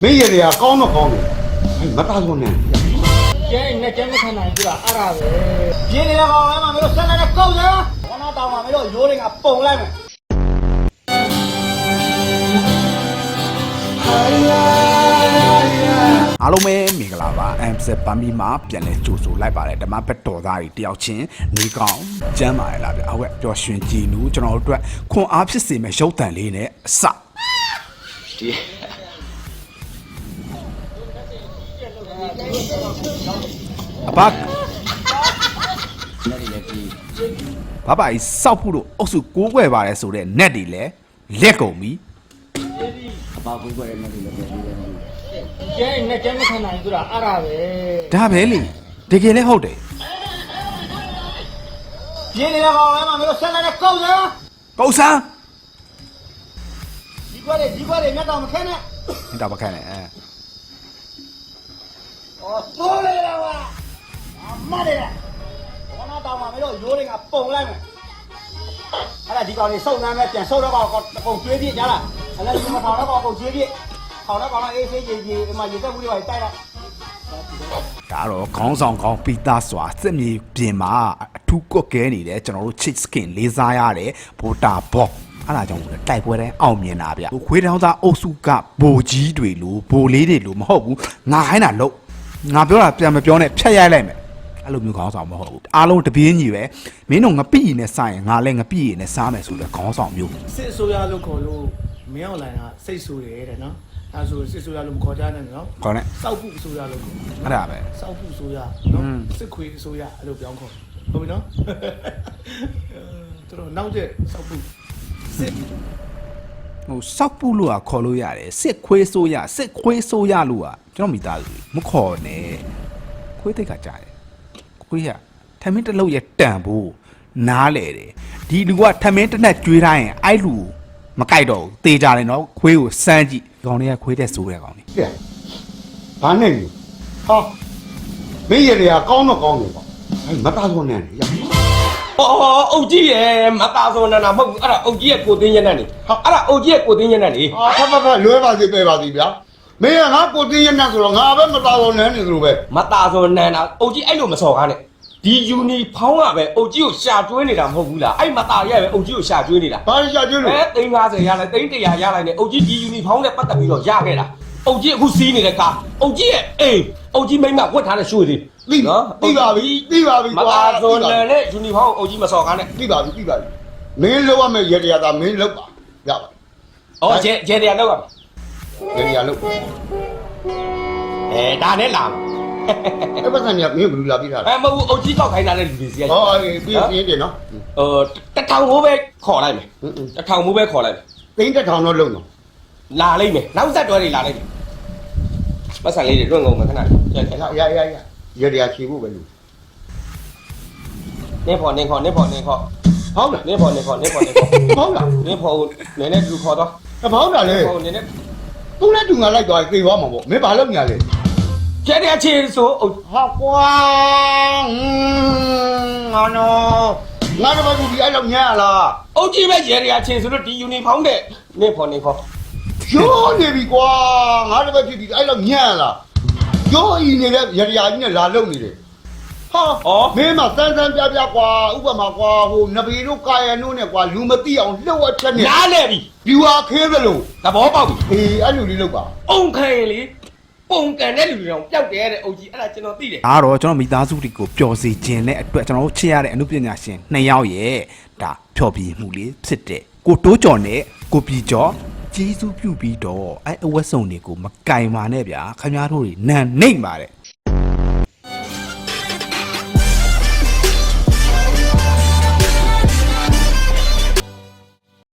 没爷的呀，高么高的，哎，没打错呢。 那真没看难是吧？阿拉呗，别的那个俺妈没有生来的狗人，我那当妈没有有的啊蹦来没。 အားလုံးပဲမင်္ဂလာပါ MZ ပမ်မီမှာပြန်လဲကြိုဆိုလိုက်ပါတယ်ဓမ္မဘက်တော်သားတွေတယောက်ချင်းနေကောင်းကျမ်းပါရလားဗျအဝက်ပျော်ရွှင်ကြည်နူးကျွန်တော်တို့အတွက်ခွန်အားဖြစ်စေမဲ့ရုပ်တံလေးနဲ့အစအဘဘာဘာစောက်ဖို့လို့အုပ်စုကိုးကွယ်ပါတယ်ဆိုတဲ့ net တွေလဲလက်ကုန်ပြီ那真没看难是吧？阿拉呗， ဒါပဲလေတကယ်လဲဟုတ်တယ်别的那个俺妈没有生来的狗人， ကုတ်ဆန်း奇怪的，那当没看呢。 မတော်မခန့်နဲ့哦，出来了哇！啊妈的嘞！我那当妈没有有的啊蹦来没。阿拉地高的手那边变手那个搞绝地家了，阿拉你们跑那个搞绝地，跑那个那 AC 嘛也在屋里外带了。 ဒါတော့ခေါင်းဆောင်ကောင်းပီတာစွာစက်မြေပြင်မှာအထူးကွက်ကဲနေတယ်ကျွန်တော်တို့ chit skin လေးစားရတယ်ဗိုတာဘော့အဲ့ဒါကြောင့်တိုက်ပွဲတိုင်းအောင်မြင်တာဗျခွေးတောင်းသားအုပ်စုကဘိုကြီးတွေလို့ဘိုလေးတွေလို့မဟုတ်ဘူးငါဟိုင်းတာလို့ငါပြောတာပြန်မပြောနဲ့ဖြတ်ရိုက်လိုက်မယ်အဲ့လိုမျိုးခေါင်းဆောင်မဟုတ်ဘူးအားလုံးတပြေးညီပဲမင်းတို့ငပိရည်နဲ့စားရင်ငါလည်းငပိရည်နဲ့စားမယ်ဆိုတော့ခေါင်းဆောင်မျိုးစစ်အစိုးရလို့ခေါ်လို့မင်းအောင်လိုင်းကစိတ်ဆိုးတယ်တဲ့နော်အဲဆိုစစ်အစိုးရလို့မခေါ်ကြနဲ့နော်ခေါ်နဲ့စောက်ဖို့အစိုးရလို့ခေါ်အဲ့ဒါပဲစောက်ဖို့အစိုးရနော်စစ်ခွေအစိုးရအဲ့လိုပြောင်းခေါ်ဟုတ်ပြီနော်သူတို့နောက်ကျစောက်ဖို့စစ်ဟိုစောက်ပူလို့ကခေါ်လို့ရတယ်စစ်ခွေးဆိုးရစစ်ခွေးဆိုးရလို့ကကျွန်တော်မိသားစုမခေါ်နဲ့ခွေးတိတ်ကကြားတယ်ခွေးရထမင်းတစ်လုံးရတန်ဖို့နားလေတယ်ဒီလူကထမင်းတစ်နက်ကျွေးထားရင်အဲ့လူမကြိုက်တော့ဘူးတေးကြတယ်နော်ခွေးကိုစမ်းကြည့်ကောင်တွေကခွေးတဲ့ဆိုးတဲ့ကောင်တွေ对，反正你，好，没爷的呀，高么高的吧，哎，没打错呢呀。 အုတ်ကြီးရဲ့မသားစောနာနာမဟုတ်ဘူးအဲ့ဒါအုတ်ကြီးရဲ့ကိုသိင်းညက်နဲ့နေဟာအဲ့ဒါအုတ်ကြီးရဲ့ကိုသိင်းညက်နဲ့နေ啊，啪，လွဲပါစေပဲပါစီဗျာမင်းကငါကိုတင်းရနေဆိုတော့ငါပဲမတော်တော့နဲ့နေသလိုပဲမသားစောနန်းတာအုတ်ကြီးအဲ့လိုမစော်ကားနဲ့ဒီယူနီဖောင်းကပဲအုတ်ကြီးကိုရှာကျွေးနေတာမဟုတ်ဘူးလားအဲ့မသားရဲ့ပဲအုတ်ကြီးကိုရှာကျွေးနေတာဘာရှာကျွေးလို့ 350ရလိုက်300ရလိုက်နဲ့အုတ်ကြီးဒီယူနီဖောင်းနဲ့ပတ်သက်ပြီးတော့ရခဲ့တာအုတ်ကြီးအခုစီးနေတဲ့ကားအုတ်ကြီးရဲ့အေးအုတ်ကြီးမိမဝတ်ထားတဲ့ရွှေတွေသိပါပြီမသားစောနန်းနဲ့ယူနီဖောင်းအုတ်ကြီးမစော်ကားနဲ့သိပါပြီမင်းလောက်ရမယ်ရေတရားသာမင်းလောက်ပါရပါအော်ကျဲတရားလောက်ရရေတရားလောက်ဒါနဲ့လာအဲ့ပတ်စံကမင်းဘယ်လိုလာပြီးထားလဲမဟုတ်ဘူးအုတ်ကြီးကောက်ခိုင်းတာတဲ့လူတွေစီကဟောပြီးတယ်နော်တထောင်မိုးပဲခေါ်လိုက်မယ်တထောင်မိုးပဲခေါ်လိုက်မယ်သိန်းတစ်ထောင်တော့လုံးတော့လာလိုက်မယ်နောက်ဆက်တွဲတွေလာလိုက်မယ်ပတ်စံလေးတွေတွန့်ကုန်မယ်ခဏလေးရရေတရားချီဖို့ပဲလို့နင်းဖော်ဟုတ်လားနင်းဖော်နင်းဖော်ဟုတ်လားနင်းဖော်နည်းနည်းသူခေါ်တော့ဘောင်းတာလေဟိုနည်းနည်းသူနဲ့တူငါလိုက်သွားပြေးသွားမှာပေါ့မင်းဘာလုပ်ညာလဲကျဲတဲ့ချေဆိုဟာကွာငါတော့ငါတော့ဒီအဲ့လောက်ညာလားအုတ်ကြီးပဲရဲရချေဆိုလို့ဒီယူနီဖောင်းတဲ့နင်းဖော်နင်းဖော်ရိုးနေပြီကွာငါတော့ဖြစ်ပြီအဲ့လောက်ညာလားရိုးဤနေတဲ့ရေတရားကြီးနဲ့လာလုံနေတယ်ဟာမင်းမစမ်းပြကွာဥပမာကွာဟိုနဗီတို့ကာယနိုးနဲ့ကွာလူမသိအောင်လှုပ်အပ်ချက်နဲ့နားလဲပြီဒီဟာခဲသလိုသဘောပေါက်ပြီအေးအဲ့လိုလေးလုပ်ပါအုံခဲလေပုံကန်တဲ့လူတွေတော့ပျောက်တယ်တဲ့အုတ်ကြီးအဲ့ဒါကျွန်တော်သိတယ်ဒါတော့ကျွန်တော်မိသားစုတွေကိုပျော်စေခြင်းနဲ့အတွက်ကျွန်တော်တို့ချစ်ရတဲ့အမှုပညာရှင်2ယောက်ရဲ့ဒါဖျော်ပြမှုလေးဖြစ်တဲ့ကိုတိုးကျော်နဲ့ကိုပြီကျော်ကျေးဇူးပြုပြီးတော့အဲ့အဝတ်စုံတွေကိုမကင်ပါနဲ့ဗျာခင်ဗျားတို့တွေနန်နှိမ့်ပါတယ်